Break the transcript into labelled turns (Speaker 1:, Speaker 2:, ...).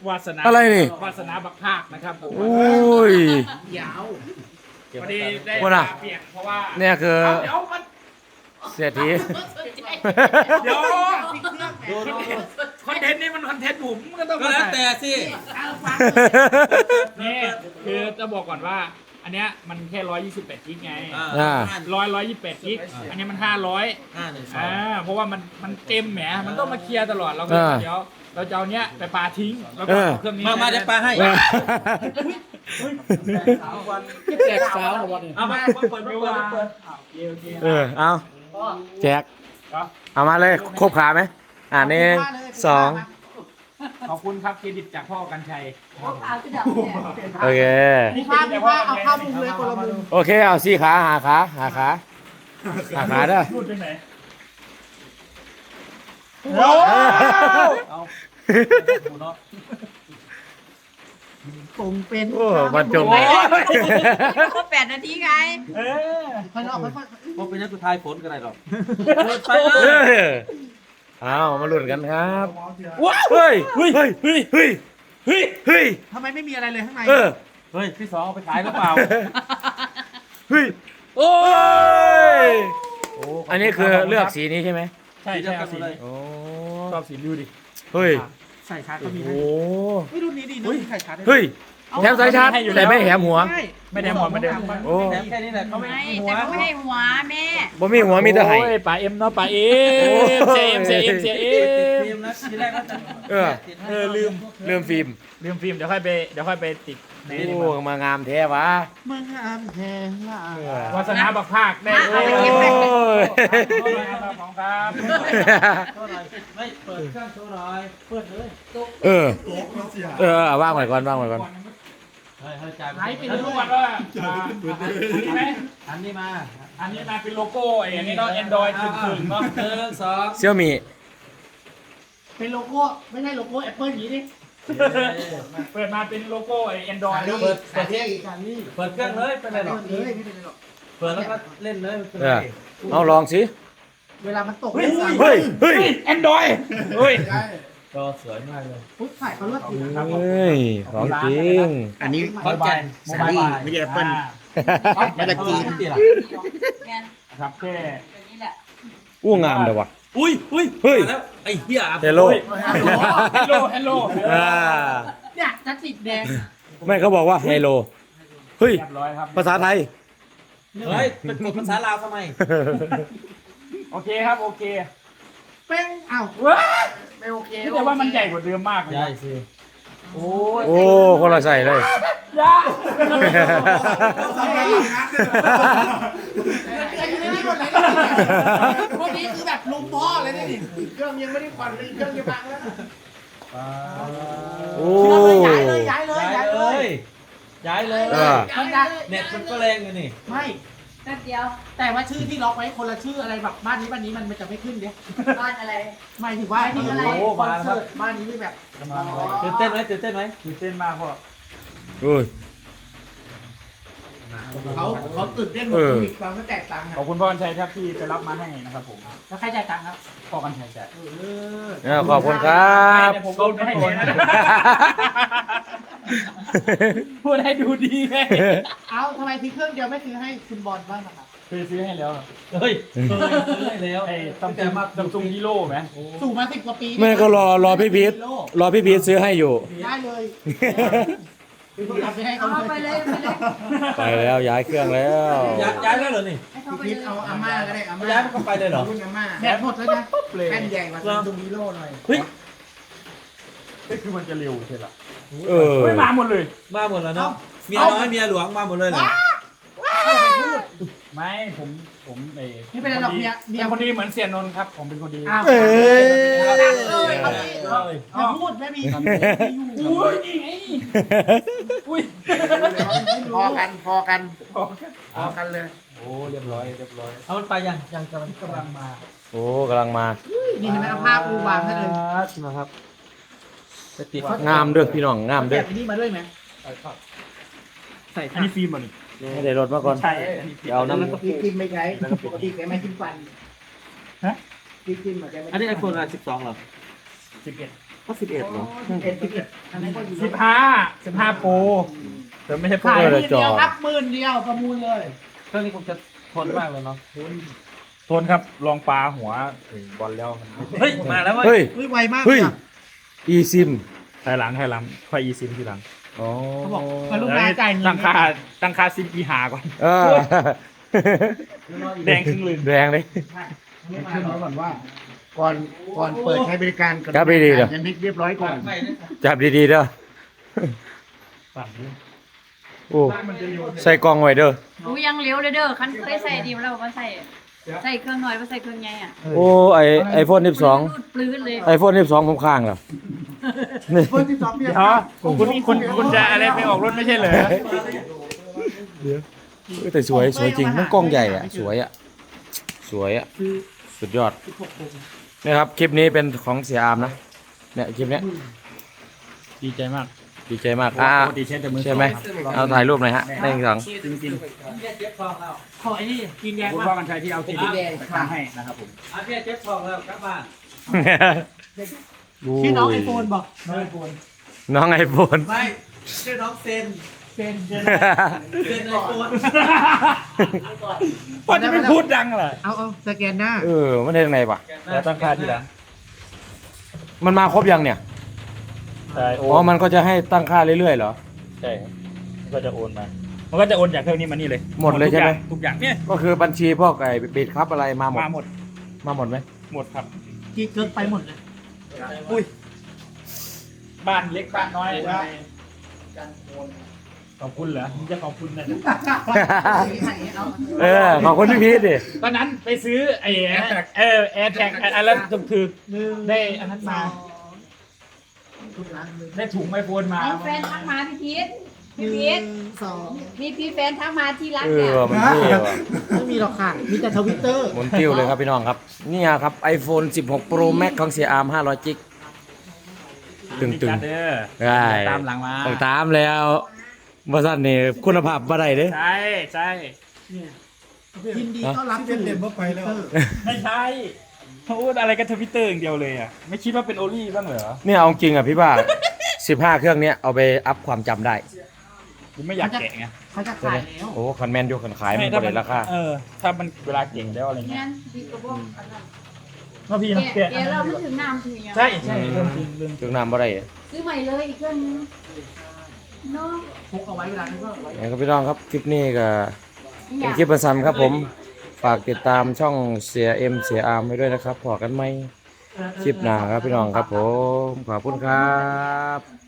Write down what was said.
Speaker 1: วาสนา
Speaker 2: อะไรนี่
Speaker 1: วาสนาบักภาคนะครับผม
Speaker 2: โอ้ย
Speaker 1: ยาวพอดีได้
Speaker 2: ว่าน่ะ
Speaker 1: เปียกเพราะว่า
Speaker 2: เนี่ยคือ
Speaker 1: เดี๋ยวมัน
Speaker 2: เศรษฐี
Speaker 1: เดี๋ยวคอนเทนต์นี้มันคอนเทนต์ผมก็ต้อง
Speaker 3: ก็แล้วแต่สิ
Speaker 1: นี่คือจะบอกก่อนว่า อันเนี้ยมันแค่128กิกไง
Speaker 2: อ่า
Speaker 1: 128กิกอันนี้มัน500
Speaker 3: 512
Speaker 1: เพราะว่ามันเต็มแหมมันต้องมาเคลียร์ตลอดเราก็เดี๋ยวเราจะเอาเนี้ยไปปาทิ้งแล้วก็เอาเครื่องนี้
Speaker 3: มาเดี๋ยวปลาให้
Speaker 1: แจกสาววันนี้
Speaker 3: เอามาเปิด
Speaker 1: โอเค
Speaker 2: เอาแจก
Speaker 1: ครับ
Speaker 2: เอามาเลยครบขาไหมหนึ่งสอง
Speaker 1: ขอบคุณครับเครดิตจากพ่อกันชัย
Speaker 2: โอเค
Speaker 1: มีภาพเอาเข้ามุมเลยคนละมุม
Speaker 2: โอเค เอาสี่ขาหาขาเด้อ
Speaker 1: พูดไปไหน
Speaker 4: ผมเป็น
Speaker 2: โอ้บรรจง
Speaker 4: ครบ8 นาทีไง
Speaker 1: ค่อยๆ
Speaker 3: พอเป็นนักสุดท้ายผลกันไรหรอกไป
Speaker 2: เออเอามาลุ้นกันครับเฮ้ยเฮ้ย
Speaker 1: ทำไมไม่มีอะไรเลยข้างใน
Speaker 2: เออ
Speaker 3: เฮ้ยพี่สองเอาไปขายหรือเปล่า
Speaker 2: เฮ้ยโอ้ยอันนี้คือเลือกสีนี้ใช่ไหม
Speaker 1: ใช่เอาสี
Speaker 2: โอ้
Speaker 1: ชอบสีดูดิ
Speaker 2: เฮ้ย
Speaker 1: ใส่ชาร์จก็มี
Speaker 2: โอ้
Speaker 1: ให้รุ่นนี้ดีนะใส่ชาร์จได้
Speaker 2: เฮ้ยแถมสายชาร์จแต่ไม่แถมหัว
Speaker 1: ไม่ได้หมดไม่ได้
Speaker 2: โอ้
Speaker 3: แค่นี้แหละเขาไม่
Speaker 4: ไม่
Speaker 3: ให้หัว
Speaker 4: แต่เขาไม่ให้หัวแม่
Speaker 2: บ่มีหัวมีแต่ไห้
Speaker 1: โอ้ยป่าเอ็มเนาะป่าเอ็มเสียเอ็ม
Speaker 3: ทีมนะทีแรกก็จะ
Speaker 1: ลืม
Speaker 2: ฟิล์ม
Speaker 1: ฟิล์มเดี๋ยวค่อยไปติดใน
Speaker 2: โอ้มางามแท้วะ
Speaker 1: มึงอามแทงละวาสนาบักภาคได้
Speaker 2: โอ้ย
Speaker 1: ของครับ
Speaker 3: โชว์หน่อยไม่เปิดเครื่องโชว์หน่อยเปิดเลย
Speaker 2: ว่างไว้ก่อน
Speaker 3: เฮ้ยจ่าย
Speaker 1: ไหนไปดูก่อนว่าอันนี้ไหม
Speaker 3: อันนี้มา
Speaker 1: อันนี้มาเป็นโลโก้อันนี้เนาะ Android ถึงเนาะ
Speaker 3: 1 2
Speaker 2: เซี่ยวมี
Speaker 5: เป็นโลโก้ไม่ใช่โลโก้แอปเปิลอย่างนี้ดิ
Speaker 1: เปิดมาเป็นโลโก้Android
Speaker 3: เปิด
Speaker 5: แต่ที่อีกการนี้
Speaker 3: เปิดเครื่องเลยเป็นไรหรอก
Speaker 5: เลยไม่เป็นไรหรอก
Speaker 3: เปิดแล้วก็เล่นเลย
Speaker 2: เอาลองสิ
Speaker 5: เวลามันตก
Speaker 2: เฮ้ย
Speaker 1: Android เฮ้ย
Speaker 3: จอสวยมากเลย
Speaker 5: พุทธถ่ายเขาเลือกถูก
Speaker 2: ของจริง
Speaker 5: อันนี้
Speaker 3: ขอนแก่น
Speaker 5: ซารี่ไม่ใช่แอปเปิล มาจากจีน
Speaker 4: แกน
Speaker 1: ครับแค่
Speaker 4: แบบนี้แหละ
Speaker 2: อู้งามเลยวะ
Speaker 3: อุ้ย
Speaker 2: เฮ้ย
Speaker 3: แล้วไอ้เหี้ย
Speaker 2: เฮลโล
Speaker 1: ฮัลโหล
Speaker 5: เนี่ยจะติดแดง
Speaker 2: ไม่เขาบอกว่าไฮโล เฮ้ย
Speaker 1: เรียบร้อยครับ
Speaker 2: ภาษาไทย
Speaker 3: เฮ้ยเป็นกดภาษาลาวทำไม
Speaker 1: โอเคครับโอเค
Speaker 5: เป้งอ้าว
Speaker 1: ว้า
Speaker 5: ไม่โอเค
Speaker 1: แต่ว่ามันใหญ่กว่าเดิมมากเลย
Speaker 3: ใช่สิ
Speaker 1: โอ้ย
Speaker 2: โอ้คนละใส่เลย
Speaker 1: ยา
Speaker 5: พวกนี้คือแบบลุมพ่อเลยนี่เครื่องยังไม่ได้ผ่อนเลยเครื่องยังพังแล้ว
Speaker 2: โอ้
Speaker 5: ย้ายเลยย้ายเลย
Speaker 3: ย้าย
Speaker 5: ย้าย
Speaker 3: เล
Speaker 5: เลย
Speaker 3: ยย้ายเลย
Speaker 5: มันจะ
Speaker 3: เน็ตมันก็แรงอยู่นี่
Speaker 5: ไม่
Speaker 4: แป๊บเดียว
Speaker 5: แต่ว่าชื่อที่ล็อกไว้คนละชื่ออะไรแบบบ้านนี้มันจะไม่ขึ้นเนี่ย
Speaker 4: บ้านอะไร
Speaker 5: หมายถึงว่าคอนเสิร์ตบ้านนี้ไม่แบบ
Speaker 3: ตื่นเต้นไหมตื่นเต้นไหม
Speaker 1: ตื่นเต้นมากพ่อ
Speaker 2: โอ้ย
Speaker 5: เขาตื่นเต้นหมดอีกความก็แตกต่าง
Speaker 1: ขอบคุณพ่อกันชัยครับที่ไปรับมาให้นะครับผม
Speaker 5: แล้วใครจ่ายตังค์ครับ
Speaker 1: พ่อกันชัยจ่าย
Speaker 2: ขอบคุณครับ
Speaker 1: ผมโดนไม่ให้เห็นนะพูดให้ดูดีไง
Speaker 5: เอาทำไมซื้อเครื่องเดียวไม่ซื้อให้คุณบอลบ้างนะครับ
Speaker 1: คือซื้อให้แล้ว
Speaker 3: เฮ้ยซื้อให้แล้ว
Speaker 1: ไอ้ซัมซุงฮีโร่ไหม
Speaker 5: สู่มา10 กว่าปี
Speaker 2: แม่ก็รอพี่พีทรอพี่พีทซื้อให้อยู่
Speaker 5: ได้เลยคือทำไปให้เขา
Speaker 4: เอาไป
Speaker 5: เล
Speaker 4: เลย ยไปเลย
Speaker 2: ไปแล้วย้ายเครื่องแล้ว
Speaker 3: ย้ายแล้วเหรอนี่
Speaker 4: ให้เขา
Speaker 5: พี่
Speaker 4: ไป
Speaker 5: พีท
Speaker 4: เลย
Speaker 5: เอาอาม่าก็ได้อาม่า
Speaker 3: ย้ายมันก็ไปเลยเหรอ
Speaker 5: รุ่นอาม่าแบตหมดแล้วนะแป้นใหญ่กว่าซัมซุงฮีโร่หน่อย
Speaker 3: เฮ้ย
Speaker 1: นี่คือมันจะเร็วใช่หรอ
Speaker 2: เออ
Speaker 1: ไม่มาหมดเลย
Speaker 3: มาหมดแล้วเนาะเมียน้อยเมียหลวงมาหมดเลยเหรอ
Speaker 1: ไม่ผมไอ้
Speaker 5: ไม่เป็นไรหรอกเมีย
Speaker 1: เป็นคนดีเหมือนเสียนนท์ครับผมเป็นคนดี
Speaker 5: อ้าว
Speaker 2: เอ้ย
Speaker 5: อย่าพูดไม่มี
Speaker 1: อุ้ยนี่ไงอุ้ย
Speaker 5: พอกันเลย
Speaker 1: โอ้เรียบร้อย
Speaker 3: เอามันไปยังกำลังมา
Speaker 2: โอ้กำลังมา
Speaker 5: นี่เห็นไหมเอาภาพปูวางให้เลย
Speaker 2: นะครับ
Speaker 3: จะติด
Speaker 2: งามเด้อพี่น้องงาม
Speaker 5: แบ
Speaker 2: เด้อบ
Speaker 5: นี้มาด้วยไหมใส่
Speaker 1: อันนี้ฟิล์มเหรอนี่
Speaker 2: ไม่ได้รถมาก่อน
Speaker 1: ใช่
Speaker 2: เดี๋ยวเอาน้ำ
Speaker 5: แล้วก็กินไม่ใช้ปกติแกไม่กินฟัน
Speaker 1: ฮะ
Speaker 5: กินเหมือนแกไม่
Speaker 3: อันนี้ไอโฟนอะไร12เหรอ
Speaker 1: 11
Speaker 5: โอ้
Speaker 2: ก็11เหรอ
Speaker 1: 15โปรแต่ไม่ใช่โปร
Speaker 5: ขาย
Speaker 2: เออ
Speaker 5: 10,000เดียวครับ10,000ประมูลเลย
Speaker 3: เครื่องนี้คงจะทนมากเลยเนาะ
Speaker 1: โทนครับลองปลาหัวถึงบอลแล้วมัน
Speaker 3: เฮ้ยมาแล้วเว้ย
Speaker 2: เฮ้ย
Speaker 5: เฮ้ยไวมาก
Speaker 2: เฮ้ย
Speaker 5: เลยอะ
Speaker 2: eSIM
Speaker 1: ถอยหลังค่อยอีซิมทีหลัง
Speaker 2: อ๋อ
Speaker 5: เขาบอกมาลูกค้าจ่ายเงิน
Speaker 1: ตั้งค่าซิมอีหาก่อน
Speaker 2: เออ
Speaker 1: แดงครึ่งลืม
Speaker 2: แดงเลย
Speaker 5: ขึ้นมาก่อนว่า ก่อนเปิดใช้บริการกัน
Speaker 2: ครับดีๆเด้อ
Speaker 5: ยันเรียบร้อยก่อน
Speaker 2: จับดีๆเด้อ
Speaker 1: ฝั่งนี้
Speaker 2: โอ้ใส่กล่องไว้เด้อ
Speaker 4: รู้ยังเลี้ยวเลยเด้อคันเคยใส่ดีมาแล้วว่าใส่เครื่องน้อยว่าใส่เครื่องใหญ่อ่ะ
Speaker 2: โอ้ไอโฟน
Speaker 4: รูดปลื้นเลย
Speaker 2: 12 iPhone 12ผมค้างแล้วนี่
Speaker 5: คนที่สองเนี่ย
Speaker 1: เดี๋ยวคุณจะอะไรไปออกรถไม่ใช่เหรอ
Speaker 2: เฮ้ยแต่สวยจริงมันกล้องใหญ่อ่ะสวยอ่ะสุดยอดนี่ครับคลิปนี้เป็นของเสียอามนะเนี่ยคลิปเนี้ย
Speaker 1: ดีใจมาก
Speaker 2: ดีใจมาก
Speaker 1: ปกติใช้แต่มือ
Speaker 2: ใช่ไหมเอาถ่ายรูปหน่อยฮะหนึ่งสอง
Speaker 1: จริง
Speaker 5: ขอไอ้นี่กินแด
Speaker 1: ๆ
Speaker 5: ง
Speaker 1: คุณ
Speaker 5: ว่า
Speaker 1: พ่อกันชัยที่เอาทีดีไปทำให้นะครับผม
Speaker 3: อาเพียเจ็บทองแล้วกลับบ้าน
Speaker 5: ชื่อน้องไอโฟนบอก
Speaker 2: น้องไอโฟน
Speaker 3: ไม่ชื่อน้องเซน
Speaker 5: เซนเซน
Speaker 3: เซนไอโฟน
Speaker 1: พ่อจะไม่พูดดังเหรอ
Speaker 5: เอาสแกนหน้า
Speaker 2: เออมันได้ยังไงปะ
Speaker 1: แล้วตั้งค่าทีหลัง
Speaker 2: มันมาครบยังเนี่ย
Speaker 1: ใช่โอ
Speaker 2: อ๋อมันก็จะให้ตั้งค่าเรื่อยๆเหรอ
Speaker 1: ใช่มันก็จะโอนมามันก็จะโอนจากเครื่องนี้มานี่เลย
Speaker 2: หมดเลยใช่ไหม
Speaker 1: ทุกอย่างเนี่ย
Speaker 2: ก็คือบัญชีพวกไอ้บิดครับอะไรมาหมด
Speaker 1: มาหมด
Speaker 2: มาหมดไหม
Speaker 1: หมดครับ
Speaker 5: กี่เกินไปหมดเลย
Speaker 1: อุ้ยบ้านเล็กบ้านน้อยขอบคุณเหรอมึงจะขอบคุณนะ
Speaker 2: เออขอบคุณพี่พีทดิ
Speaker 1: ตอนนั้นไปซื้อไอ้แอร์แท็กอันนั้นคือได้อันนั้นมาได้ถุงไอโฟนมา
Speaker 4: เอาแฟนทักมาพี่พีทมีพี่แฟนทักมาที่รัก
Speaker 2: เอ
Speaker 4: เนี่ย
Speaker 2: อมันเท่ว่ะ
Speaker 5: ไม่มีหรอกค่ะ มีแต่ทวิตเตอร์
Speaker 2: หมุนติ้วเลยครับพี่น้องครับเนี่ยครับ iPhone 16 Pro Max ของเสียอาร์ม500จิกตึง
Speaker 1: เด้อ
Speaker 2: ๆได้
Speaker 1: ตามหลังมา
Speaker 2: ต้องตามแล้วบริษัทนี่คุณภาพบ่ได้เด้
Speaker 1: ใช่ใช่
Speaker 5: ยินดีต้อนรับสู่เมื่อไปแล้ว
Speaker 1: ไม่ใช่เขาพูดอะไรกันทวิตเตอร์อย่างเดียวเลยอ่ะไม่คิดว่าเป็นโอลี่บ้างเหรอ
Speaker 2: เนี่ยเอาจริงอ่ะพี่บ้า15 เครื่องเนี้ยเอาไปอัพความจำได้
Speaker 1: ผมไม่อยากแกะไง
Speaker 5: เขาจะขายแล้ว
Speaker 2: โอ้คันแมนอยู่คันขายมัน
Speaker 1: ถ้า
Speaker 2: บ่ได้ราคา
Speaker 1: ถ้ามันเวลาเก่งแล้วอะไรเงี้ย
Speaker 4: งั้นพี่ก็บอกอันนั้น
Speaker 1: ว่าพี่นะ
Speaker 4: แกะเราไม่ถึงน้ำถึงยัง
Speaker 1: ใช่ใช่เรื่องจริงเรื่อง
Speaker 2: ถึงน้ำบ่ได้
Speaker 4: ซื้อใหม่เลยอีกเครื่องนึงเนาะ
Speaker 5: พกเอาไว้เวลานี้ก็ไว้
Speaker 2: นะครับพี่น้องครับคลิปนี้ก็
Speaker 4: อยาก
Speaker 2: เป็นคลิปประสันครับผมฝากติดตามช่องเสียเอ็มเสียอาร์มไว้ด้วยนะครับพอกันไหมคลิปหน้าครับพี่น้องครับผมขอบคุณครับ